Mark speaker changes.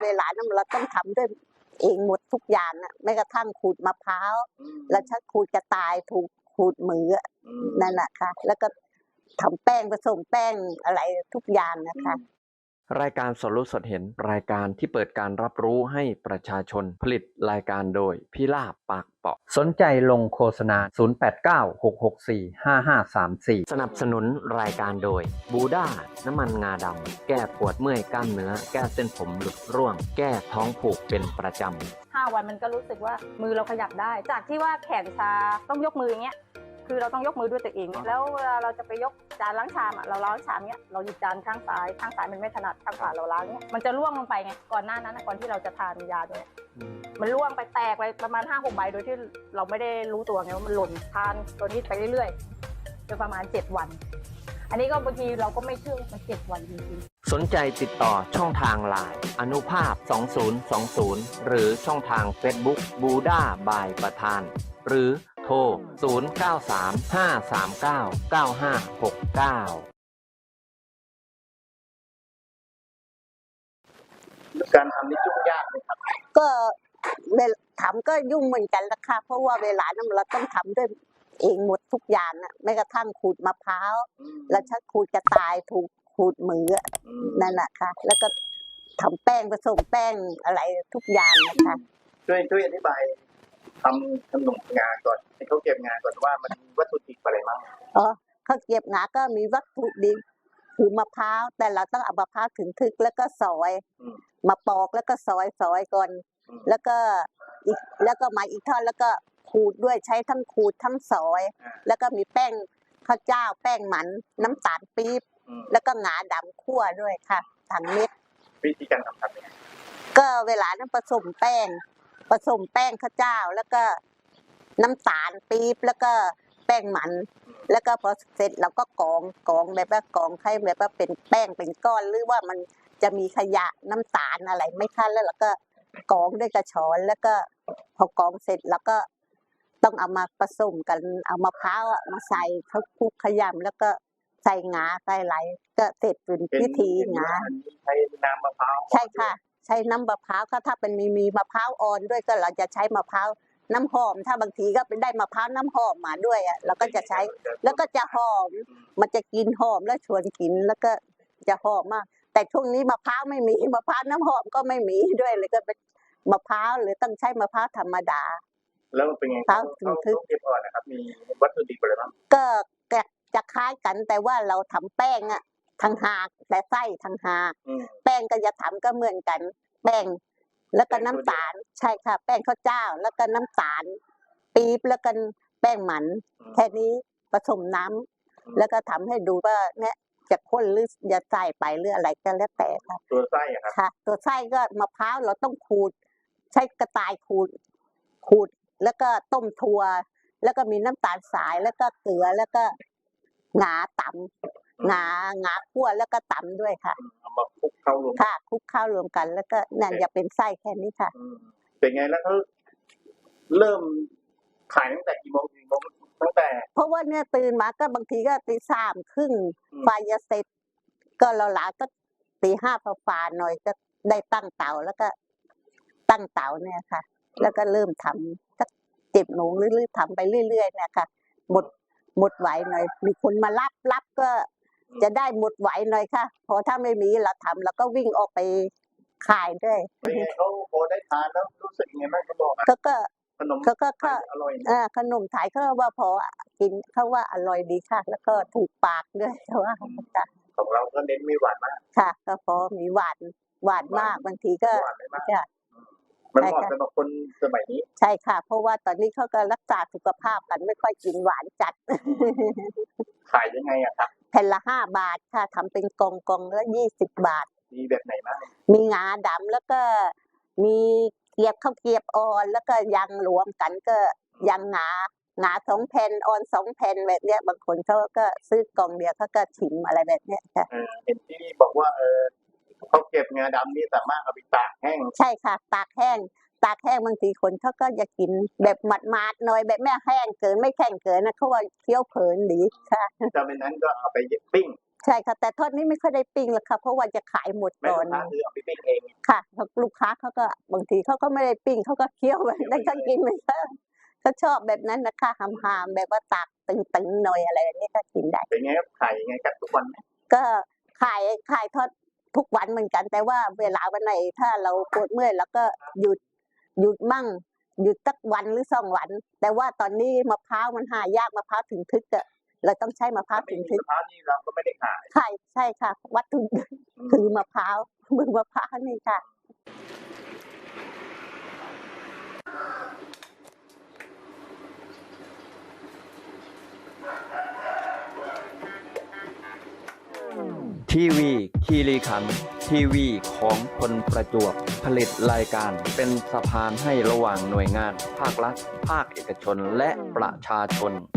Speaker 1: เวลานั้นเราต้องทำด้วยเองหมดทุกอย่างอ่ะแม้กระทั่งขูดมะพร้าวแล้วชักขูดกระต่ายถูกขูดมือนั่นแหละค่ะแล้วก็ทำแป้งผสมแป้งอะไรทุกอย่างนะคะ
Speaker 2: รายการสดรู้สดเห็นรายการที่เปิดการรับรู้ให้ประชาชนผลิตรายการโดยพี่ลาบปากเปาะ
Speaker 3: สนใจลงโฆษณา0896645534
Speaker 2: สนับสนุนรายการโดยบูด้าน้ำมันงาดำแก้ปวดเมื่อยกล้ามเนื้อแก้เส้นผมหลุดร่วงแก้ท้องผูกเป็นประจำ
Speaker 4: 5 วันมันก็รู้สึกว่ามือเราขยับได้จากที่ว่าแขนชาต้องยกมืออย่างเงี้ยคือเราต้องยกมือด้วยตัวเองแล้วเวลาเราจะไปยกจานล้างชามเราล้างชามเนี้ยเราหยิบจานข้างซ้ายมันไม่ถนัดข้างขวาเราล้างเนี้ยมันจะร่วงลงไปไงก่อนหน้านั้นก่อนที่เราจะทานยาตัวเนี้ยมันร่วงไปแตกไปประมาณ 5-6 ใบโดยที่เราไม่ได้รู้ตัวไงว่ามันหล่นทานตัวนี้ไปเรื่อยๆจนประมาณ7 วันอันนี้ก็บางทีเราก็ไม่เชื่อมัน7 วันจริง
Speaker 2: ๆสนใจติดต่อช่องทางไลน์อนุภาพ2020หรือช่องทาง Facebook บูด้าบายประธานหรือโทร0935399569
Speaker 5: การทำนี่ยุ่งยากไหมครับ
Speaker 1: ก็ทำก็ยุ่งเหมือนกันละค่ะเพราะว่าเวลานั้นเราต้องทำด้วยเองหมดทุกอย่างอ่ะแม้กระทั่งขูดมะพร้าวแล้วชักขูดกระต่ายถูกขูดมือนั่นแหละค่ะแล้วก็ทำแป้งผสมแป้งอะไรทุกอย่างนะคะ
Speaker 5: ช่วยอธิบายทำขนมงาก่อนให้เขาเก็บงาก่อนว่ามันมีวัตถุดิบอะไรบ้าง
Speaker 1: เขาเก็บงาก็มีวัตถุดิบคือมะพร้าวแต่เราต้องเอามะพร้าวถึงทึกแล้วก็ซอยมาปอกแล้วก็ซอยก่อนแล้วก็มาอีกทอดแล้วก็ขูดด้วยใช้ทั้งขูดทั้งซอยแล้วก็มีแป้งข้าวเจ้าแป้งมันน้ำตาลปี๊บแล้วก็งาดำคั่วด้วยค่ะทั้งเม็ด
Speaker 5: วิธีการทำยังไง
Speaker 1: ก็เวลานั้นผสมแป้งข้าวเจ้าแล้วก็น้ำตาลปี๊บแล้วก็แป้งมันแล้วก็พอเสร็จเราก็กองแบบว่ากองให้แบบว่าเป็นแป้งเป็นก้อนหรือว่ามันจะมีขยะน้ำตาลอะไรไม่คั้นแล้วเราก็กองด้วยกระชอนแล้วก็พอกองเสร็จแล้วก็ต้องเอามาผสมกันเอามะพร้าวมาใส่เขาคลุกขยำแล้วก็ใส่งาใส่ไหลก็เสร็จเป็นพิธีงา
Speaker 5: ใช้น้ำมะพร้าว
Speaker 1: ใช่ค่ะใช้น้ำมะพร้าวถ้าเป็นมีมะพร้าวอ่อนด้วยก็เราจะใช้มะพร้าวน้ำหอมถ้าบางทีก็เป็นได้มะพร้าวน้ำหอมมาด้วยอ่ะเราก็จะใช้แล้วก็จะหอมมันจะกินหอมแล้วชวนกินแล้วก็จะหอมมากแต่ช่วงนี้มะพร้าวไม่มีมะพร้าวน้ำหอมก็ไม่มีด้วยเลยก็เป็นมะพร้าวหรือต้องใช้มะพร้าวธรรมดา
Speaker 5: แล้วเป็นไงเขาเก็บอ่อนนะครับมีวัตถุดิบอะไรบ้าง
Speaker 1: ก็จะคล้ายกันแต่ว่าเราทำแป้งอ่ะทางหากแต่ไส้ทางหากแป้งก็จะทำก็เหมือนกันแป้งแล้วก็น้ำตาลใช่ค่ะแป้งข้าวเจ้าแล้วก็น้ำตาลปี๊บแล้วก็แป้งมันแค่นี้ผสมน้ำแล้วก็ทำให้ดูว่าเนี่ยจะข้นหรือจะใส่ไปหรืออะไรก็แล้วแต่ค่ะ
Speaker 5: ตัวไส้ครับ
Speaker 1: ค่ะตัวไส้ก็มะพร้าวเราต้องขูดใช้กระต่ายขูดแล้วก็ต้มถั่วแล้วก็มีน้ำตาลสายแล้วก็เกลือแล้วก็งาตำงาคั่วแล้วก็ตำด้วยค่ะ
Speaker 5: เอามาคลุกเข้ารวม
Speaker 1: ค่ะคลุกเข้ารวมกันแล้วก็นั่นจะเป็นไส้แค่นี้ค่ะ
Speaker 5: เป็นไงแล้วเขาเริ่มขายตั้งแต่กี่โมงตั้งแต่
Speaker 1: เพราะว่าเนี่ยตื่นมาก็บางทีก็3:30ไฟจะเสร็จก็เราหลาก็4-5ฝ่าหน่อยก็ได้ตั้งเตาแล้วก็ตั้งเตาเนี่ยค่ะแล้วก็เริ่มทำสัก7 โมงเรื่อยๆทำไปเรื่อยๆเนี่ยค่ะหมดไหวหน่อยมีคนมารับก็จะได้หมดไหวหน่อยค่ะพอถ้าไม่มีเราทำแล้วก็วิ่งออกไปขายด้วย
Speaker 5: เขาพอได้ทานแล้วรู้สึกยังไงบ้างเขาบอก
Speaker 1: ก็
Speaker 5: ขนม
Speaker 1: อร่อยขนมไทยเขาว่าพอกินเขาว่าอร่อยดีค่ะแล้วก็ถูกปากด้วยเขาว่า
Speaker 5: ของเราก็เน้นไม่หวานมาก
Speaker 1: ค่ะก็พอมีหวานมากบางทีก็
Speaker 5: จะมันเหมาะสำหรับคนสมัยนี้
Speaker 1: ใช่ค่ะเพราะว่าตอนนี้เขาก็รักษาสุขภาพกันไม่ค่อยกินหวานจัด
Speaker 5: ขายยังไงอะครับ
Speaker 1: แผ่นละ5 บาทค่ะทำเป็นกองละ20 บาท
Speaker 5: มีแบบไหนบ้าง
Speaker 1: มีงาดำแล้วก็มีข้าวเกรียบอ่อนแล้วก็ยังรวมกันก็ยังงา2 แผ่นอ่อน2 แผ่นแบบเนี้ยบางคนเขาก็ซื้อกล่องเดียวเขาก็ชิมอะไรแบบเนี้ยค่ะ
Speaker 5: เห็นที่บอกว่าเขาเก็บงาดำนี่สามารถเอาไปตากแห้ง
Speaker 1: ใช่ค่ะตากแห้งบางทีคนเขาก็จะกินแบบหมาดๆหน่อยแบบไม่แห้งเกินไม่แข็งเกินนะเขาว่าเคี้ยวเพลินดีค่ะ
Speaker 5: จากนั้นก็เอาไปปิ้ง
Speaker 1: ใช่ค่ะแต่ทอดนี้ไม่ค่อยได้ปิ้งหรอกค่ะเพราะว่าจะขายหมด
Speaker 5: แม่
Speaker 1: ก่อ
Speaker 5: ลู
Speaker 1: น
Speaker 5: กค้าคือเอาไปปิ้งเอง
Speaker 1: ค่ะลูกค้าเขาก็บางทีเขาก็ไม่ได้ปิ้งเขาก็เคี้ยวแบบนั้นเขากินไปเลยเขาชอบแบบนั้นนะคะหามๆแบบว่าตากตึงๆหน่อยอะไรแบบนี้ก็กินได้
Speaker 5: เป็นไงครับขายยังไงครับทุกวันไหม
Speaker 1: ก็ขายทอดทุกวันเหมือนกัน แต่ว่าเวลาวันไหนถ้าเราปวดเมื่อยเราก็หยุดมั่งหยุดสักวันหรือ2 วัน แต่ว่าตอนนี้มะพร้าวมันหายากมะพร้าวถึงทึกอะเราต้องใช้มะพร้าว
Speaker 5: ถ้า
Speaker 1: ถึ
Speaker 5: ไม่
Speaker 1: ง
Speaker 5: มี
Speaker 1: ทึก
Speaker 5: มะพร้าวนี่เราก็ไม่ได้ขาย
Speaker 1: ใช่ค่ะ วัตถุดิบคือมะพร้าวมือมะพร้าวนี่ค่ะ
Speaker 2: ทีวีคีรีขันธ์ทีวีของคนประจวบผลิตรายการเป็นสะพานให้ระหว่างหน่วยงาน ภาครัฐ ภาคเอกชนและประชาชน